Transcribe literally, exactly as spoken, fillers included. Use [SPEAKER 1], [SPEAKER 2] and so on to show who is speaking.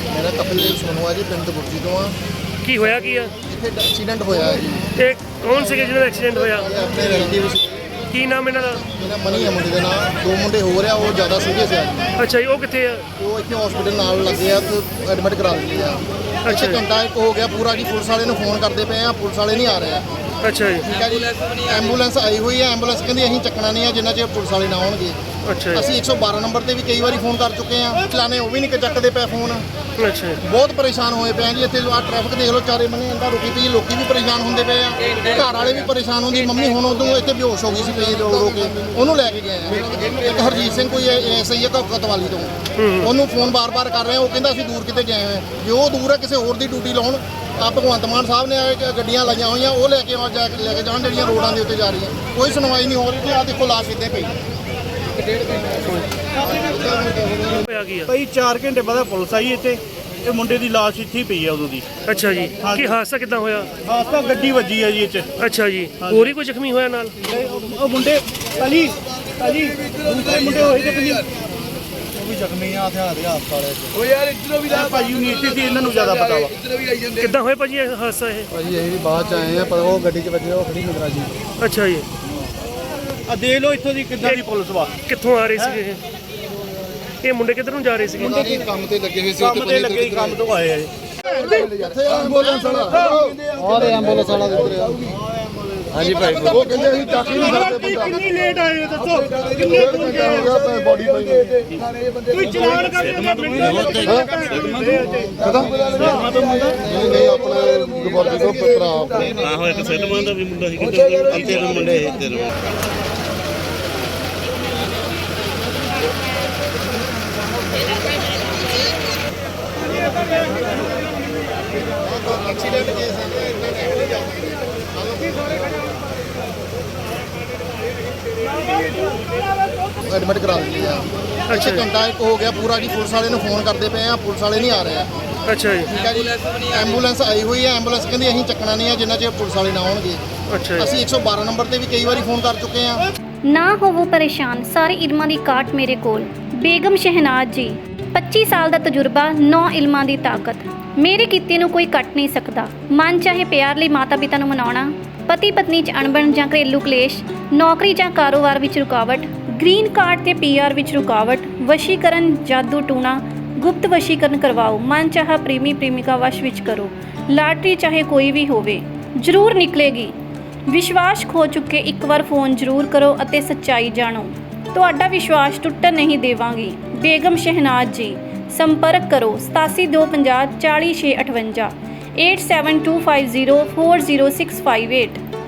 [SPEAKER 1] ਮੇਰਾ ਕਪਿਲਦੇਵ ਸੋਨੂ ਜੀ ਪਿੰਡ ਬੁਰਜੀ ਤੋਂ ਆ।
[SPEAKER 2] ਕੀ ਹੋਇਆ ਕੀ ਆ
[SPEAKER 1] ਇੱਥੇ ਐਕਸੀਡੈਂਟ ਹੋਇਆ ਜੀ।
[SPEAKER 2] ਤੇ ਕੌਣ ਸੀਗੇ ਜਿਹਨਾਂ ਦਾ ਐਕਸੀਡੈਂਟ ਹੋਇਆ?
[SPEAKER 1] ਇਹ ਆਪਣੇ ਰਿਲੇਟਿਵ ਸੀ।
[SPEAKER 2] ਕੀ ਨਾਮ ਇਹਨਾਂ ਦਾ?
[SPEAKER 1] ਮੇਰਾ ਮਨੀ ਆ ਮੁੰਡੇ ਦਾ ਨਾਮ। ਦੋ ਮੁੰਡੇ ਹੋ ਰਿਹਾ, ਉਹ ਜ਼ਿਆਦਾ ਸੀਰੀਅਸ ਆ ਜੀ।
[SPEAKER 2] ਅੱਛਾ ਜੀ, ਉਹ ਕਿੱਥੇ ਆ?
[SPEAKER 1] ਉਹ ਇੱਥੇ ਹਸਪੀਟਲ ਨਾਲ ਲੱਗੇ ਆ ਤੇ ਐਡਮਿਟ ਕਰਾ ਦਿੱਤੇ ਆ। ਅੱਛਾ, ਘੰਟਾ ਇੱਕ ਹੋ ਗਿਆ ਪੂਰਾ ਜੀ। ਪੁਲਿਸ ਵਾਲੇ ਨੂੰ ਫੋਨ ਕਰਦੇ ਪਏ ਆ, ਪੁਲਿਸ ਵਾਲੇ ਨਹੀਂ ਆ ਰਹੇ ਆ।
[SPEAKER 2] ਅੱਛਾ ਜੀ,
[SPEAKER 1] ਠੀਕ ਹੈ ਜੀ। ਐਂਬੂਲੈਂਸ ਆਈ ਹੋਈ ਹੈ, ਐਂਬੂਲੈਂਸ ਕਹਿੰਦੀ ਅਸੀਂ ਚੱਕਣਾ ਨਹੀਂ ਆ ਜਿੰਨਾ ਚਿਰ ਪੁਲਿਸ ਵਾਲੇ ਨਾ ਆਉਣਗੇ।
[SPEAKER 2] ਅੱਛਾ ਜੀ,
[SPEAKER 1] ਅਸੀਂ ਇੱਕ ਸੌ ਬਾਰਾਂ ਨੰਬਰ ਤੇ ਵੀ ਕਈ ਵਾਰੀ ਫੋਨ ਕਰ ਚੁੱਕੇ ਆ, ਚਲਾਣੇ ਉਹ ਵੀ ਨਹੀਂ ਚੱਕਦੇ ਪਏ ਫੋਨ।
[SPEAKER 2] ਅੱਛਾ ਜੀ।
[SPEAKER 1] ਬਹੁਤ ਪਰੇਸ਼ਾਨ ਹੋਏ ਪਏ ਆ ਜੀ। ਇੱਥੇ ਆ ਟ੍ਰੈਫਿਕ ਦੇਖ ਲਓ, ਚਾਰੇ ਬੰਨੇ ਇੰਦਾ ਰੁਕੀ ਪਈ, ਲੋਕੀ ਵੀ ਪਰੇਸ਼ਾਨ ਹੁੰਦੇ ਪਏ ਆ, ਘਰ ਵਾਲੇ ਵੀ ਪਰੇਸ਼ਾਨ ਹੁੰਦੇ। ਮੰਮੀ ਹੁਣ ਉਦੋਂ ਇੱਥੇ ਬੇਹੋਸ਼ ਹੋ ਗਈ ਸੀ ਪਈ ਰੋ ਰੋ ਕੇ, ਉਹਨੂੰ ਲੈ ਕੇ ਗਏ ਆ। ਇੱਕ ਹਰਜੀਤ ਸਿੰਘ ਕੋਈ ਐਸਾ ਹੀ ਹੈ ਕਤਵਾਲੀ ਤੋਂ, ਉਹਨੂੰ ਫੋਨ ਬਾਰ-ਬਾਰ ਕਰ ਰਹੇ ਆ। ਉਹ ਕਹਿੰਦਾ ਅਸੀਂ ਦੂਰ ਕਿਤੇ ਗਏ ਹੋਏ, ਜੇ ਉਹ ਦੂਰ ਹੈ ਕਿਸੇ ਹੋਰ ਦੀ ਡਿਊਟੀ ਲਾਉਣ। ਆ ਭਗਵੰਤ ਮਾਨ ਸਾਹਿਬ ਨੇ ਗੱਡੀਆਂ ਲਾਈਆਂ ਹੋਈਆਂ, ਉਹ ਲੈ ਕੇ ਜਾ ਕੇ ਲੈ ਕੇ ਜਾਣ ਜਿਹੜੀਆਂ ਰੋਡਾਂ ਦੇ ਉੱਤੇ ਜਾ ਰਹੀਆਂ। ਕੋਈ ਸੁਣਵਾਈ ਨਹੀਂ ਹੋ ਰਹੀ। ਆ ਦੇਖੋ ਲਾਸ਼ ਕਿੱਥੇ ਪਈ।
[SPEAKER 2] ਹੋਇਆ ਕੀ ਆ?
[SPEAKER 3] ਭਾਈ ਚਾਰ ਘੰਟੇ ਬਾਅਦ ਪੁਲਿਸ ਆਈ ਇੱਥੇ। ਇਹ ਮੁੰਡੇ ਦੀ ਲਾਸ਼ ਇੱਥੇ ਹੀ ਪਈ ਆ ਉਦੋਂ ਦੀ।
[SPEAKER 2] ਅੱਛਾ ਜੀ, ਕੀ ਹਾਦਸਾ ਕਿੱਦਾਂ ਹੋਇਆ?
[SPEAKER 3] ਹਾਦਸਾ ਗੱਡੀ ਵੱਜੀ ਆ ਜੀ ਇੱਥੇ।
[SPEAKER 2] ਅੱਛਾ ਜੀ, ਹੋਰ ਹੀ ਕੋਈ ਜ਼ਖਮੀ ਹੋਇਆ ਨਾਲ?
[SPEAKER 3] ਉਹ ਮੁੰਡੇ ਭਾਜੀ ਭਾਜੀ ਦੂਸਰੇ ਮੁੰਡੇ ਹੋਏ ਤੇ ਭਾਜੀ ਉਹ ਵੀ ਜ਼ਖਮੀ ਆ ਹਥਿਆਰ ਦੇ ਹਸਪਤਾਲ ਵਿੱਚ। ਉਹ ਯਾਰ ਇੱਧਰੋਂ ਵੀ ਦਾ ਭਾਜੀ ਨਹੀਂ ਇੱਥੇ ਸੀ, ਇਹਨਾਂ ਨੂੰ ਜ਼ਿਆਦਾ ਪਤਾ ਵਾ।
[SPEAKER 2] ਕਿੱਦਾਂ ਹੋਇਆ ਭਾਜੀ ਇਹ ਹਾਦਸਾ? ਇਹ
[SPEAKER 1] ਭਾਜੀ ਅਸੀਂ ਵੀ ਬਾਅਦ ਚ ਆਏ ਆ, ਪਰ ਉਹ ਗੱਡੀ 'ਚ ਵੱਜੇ, ਉਹ ਖੜੀ ਨਜ਼ਰ ਆ ਜੀ।
[SPEAKER 2] ਅੱਛਾ ਜੀ,
[SPEAKER 3] ਆ ਦੇਖ ਲਓ ਇੱਥੋਂ ਦੀ ਕਿੱਦਾਂ ਦੀ ਪੁਲਿਸ ਵਾ।
[SPEAKER 2] ਕਿੱਥੋਂ ਆ ਰਹੇ ਸੀਗੇ ਇਹ? ਇਹ ਮੁੰਡੇ ਕਿੱਧਰ ਨੂੰ ਜਾ ਰਹੇ ਸੀਗੇ?
[SPEAKER 1] ਮੁੰਡੇ ਕੰਮ ਤੇ ਲੱਗੇ ਹੋਏ ਸੀ।
[SPEAKER 3] ਕੰਮ ਤੇ ਲੱਗੇ ਕੰਮ ਤੋਂ ਆਏ ਆ ਇਹ।
[SPEAKER 1] ਐਂਬੂਲੈਂਸ ਵਾਲਾ ਔਰ ਐਂਬੂਲੈਂਸ ਵਾਲਾ ਦਿੱਤੇ ਆ। ਹਾਂਜੀ ਭਾਈ, ਉਹ ਕਹਿੰਦੇ ਅਸੀਂ ਚੱਕ ਹੀ ਨਹੀਂ ਸਕਦੇ ਬੰਦਾ।
[SPEAKER 3] ਕਿੰਨੀ ਲੇਟ ਆਏ ਹੋ ਦੱਸੋ? ਕਿੰਨੇ
[SPEAKER 1] ਹੋ ਗਿਆ ਬੋਡੀ ਪਈ
[SPEAKER 3] ਕੋਈ ਚਲਾਨ ਕਰ ਦਿੰਦਾ ਮਿੰਟਾਂ
[SPEAKER 1] ਕਦਾਂ ਨਹੀਂ ਨਹੀਂ ਆਪਣੇ ਗੁਰਬਾਜੀ ਤੋਂ ਭਰਾ ਆਪਣੇ
[SPEAKER 4] ਆਹੋ ਇੱਕ ਸੈਟਮਾਨ ਦਾ ਵੀ ਮੁੰਡਾ ਸੀ ਕਿਤੇ ਤੇਰੇ ਮੁੰਡੇ ਸੀ ਤੇਰੇ
[SPEAKER 1] ਐਕਸੀਡੈਂਟ ਕੇਸ ਹੈ ਇੰਨਾ ਟਾਈਮ ਨਹੀਂ ਜਾਂਦਾ। ਐਡਮਿਟ ਕਰਾ ਦਿੱਤੇ ਆ। ਅੱਛਾ, ਘੰਟਾ ਇੱਕ ਹੋ ਗਿਆ ਪੂਰਾ ਜੀ। ਪੁਲਿਸ ਵਾਲੇ ਨੂੰ ਫੋਨ ਕਰਦੇ ਪਏ ਆ, ਪੁਲਿਸ ਵਾਲੇ ਨਹੀਂ ਆ ਰਹੇ ਆ।
[SPEAKER 2] ਅੱਛਾ ਜੀ,
[SPEAKER 1] ਠੀਕ ਹੈ ਜੀ। ਐਂਬੂਲੈਂਸ ਆਈ ਹੋਈ ਹੈ, ਐਂਬੂਲੈਂਸ ਕਹਿੰਦੀ ਅਸੀਂ ਚੱਕਣਾ ਨਹੀਂ ਆ ਜਿੰਨਾ ਚਿਰ ਪੁਲਿਸ ਵਾਲੇ ਨਾ ਆਉਣਗੇ।
[SPEAKER 2] ਅੱਛਾ ਜੀ।
[SPEAKER 1] ਅਸੀਂ ਇੱਕ ਸੌ ਬਾਰਾਂ ਨੰਬਰ ਤੇ ਵੀ ਕਈ ਵਾਰੀ ਫੋਨ ਕਰ ਚੁੱਕੇ ਆ।
[SPEAKER 5] ਨਾ ਹੋਵੋ ਪਰੇਸ਼ਾਨ, ਸਾਰੇ ਇਲਮਾਂ ਦੀ ਕਾਟ ਮੇਰੇ ਕੋਲ। ਬੇਗਮ ਸ਼ਹਿਨਾਜ਼ ਜੀ, ਪੱਚੀ ਸਾਲ ਦਾ ਤਜਰਬਾ, ਨੌ ਇਲਮਾਂ ਦੀ ਤਾਕਤ। ਮੇਰੇ ਕੀਤੇ ਨੂੰ ਕੋਈ ਕੱਟ ਨਹੀਂ ਸਕਦਾ। ਮਨ ਚਾਹੇ ਪਿਆਰ ਲਈ ਮਾਤਾ ਪਿਤਾ ਨੂੰ ਮਨਾਉਣਾ, ਪਤੀ ਪਤਨੀ 'ਚ ਅਣਬਣ ਜਾਂ ਘਰੇਲੂ ਕਲੇਸ਼, ਨੌਕਰੀ ਜਾਂ ਕਾਰੋਬਾਰ ਵਿੱਚ ਰੁਕਾਵਟ, ਗ੍ਰੀਨ ਕਾਰਡ ਤੇ ਪੀ ਆਰ ਵਿੱਚ ਰੁਕਾਵਟ, ਵਸ਼ੀਕਰਨ, ਜਾਦੂ ਟੂਣਾ, ਗੁਪਤ ਵਸ਼ੀਕਰਨ ਕਰਵਾਓ। ਮਨ ਚਾਹਾ ਪ੍ਰੇਮੀ ਪ੍ਰੇਮਿਕਾ ਵਸ਼ ਵਿੱਚ ਕਰੋ। ਲਾਟਰੀ ਚਾਹੇ ਕੋਈ ਵੀ ਹੋਵੇ, ਜ਼ਰੂਰ ਨਿਕਲੇਗੀ। ਵਿਸ਼ਵਾਸ ਖੋ ਚੁੱਕੇ ਇੱਕ ਵਾਰ ਫੋਨ ਜ਼ਰੂਰ ਕਰੋ ਅਤੇ ਸੱਚਾਈ ਜਾਣੋ। ਤੁਹਾਡਾ ਵਿਸ਼ਵਾਸ ਟੁੱਟਣ ਨਹੀਂ ਦੇਵਾਂਗੀ। ਬੇਗਮ ਸ਼ਹਿਨਾਜ਼ ਜੀ, ਸੰਪਰਕ ਕਰੋ ਸਤਾਸੀ ਦੋ ਪੰਜਾਹ ਚਾਲੀ ਛੇ ਅਠਵੰਜਾ, eight seven two five zero four zero six five eight.